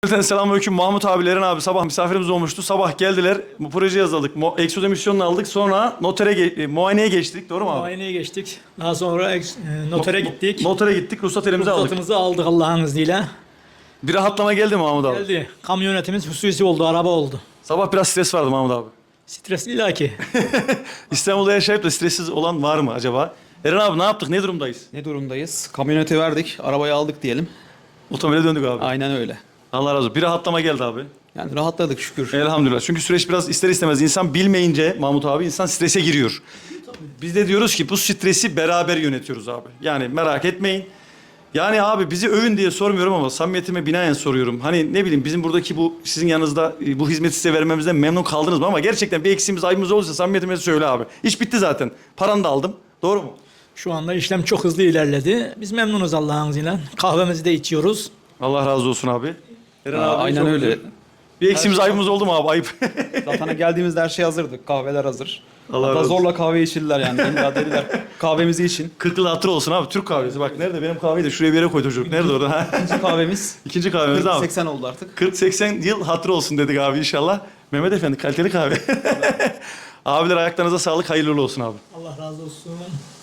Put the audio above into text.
Selamünaleyküm Mahmut abilerin abi sabah misafirimiz olmuştu. Sabah geldiler. Bu proje yazıldık. Exodo misyonunu aldık. Sonra muayeneye geçtik. Doğru mu abi? Muayeneye geçtik. Daha sonra notere gittik. Notere gittik. Ruhsat elimize aldık. Ruhsatımızı aldık Allah'ın izniyle. Bir rahatlama geldi mi Mahmut abi? Geldi. Kamyonetimiz hususi oldu, araba oldu. Sabah biraz stres vardı Mahmut abi. Stres illaki. İstanbul'da yaşayıp da stressiz olan var mı acaba? Eren abi ne yaptık? Ne durumdayız? Ne durumdayız? Kamyoneti verdik, arabayı aldık diyelim. Otomobile döndük abi. Aynen öyle. Allah razı olsun. Bir rahatlama geldi abi. Yani rahatladık şükür. Elhamdülillah. Çünkü süreç biraz ister istemez insan bilmeyince Mahmut abi insan strese giriyor. Biz de diyoruz ki bu stresi beraber yönetiyoruz abi. Yani merak etmeyin. Yani abi bizi övün diye sormuyorum ama samimiyetime binaen soruyorum. Hani ne bileyim bizim buradaki bu sizin yanınızda bu hizmeti size vermemizden memnun kaldınız mı? Ama gerçekten bir eksiğimiz ayıbımız olursa samimiyetime söyle abi. İş bitti zaten. Paranı da aldım. Doğru mu? Şu anda işlem çok hızlı ilerledi. Biz memnunuz Allah'ın izniyle. Kahvemizi de içiyoruz. Allah razı olsun abi. Eren abi Aynen çok öyle. güzel. Bir eksiğimiz ayıbımız oldu mu abi? Ayıp. Zaten geldiğimizde her şey hazırdı. Kahveler hazır. Allah Hatta razı olsun. zorla kahve içirdiler yani. İmdat dediler. Kahvemizi için. 40 yıl hatırı olsun abi. Türk kahvesi. Bak nerede benim kahveyi de şuraya bir yere koydu çocuk. Nerede orada? İkinci kahvemiz. İkinci kahvemiz abi. 80 oldu artık. 40-80 yıl hatırı olsun dedik abi inşallah. Mehmet Efendi kaliteli kahve. Abiler ayaklarınıza sağlık. Hayırlı uğurlu olsun abi. Allah razı olsun.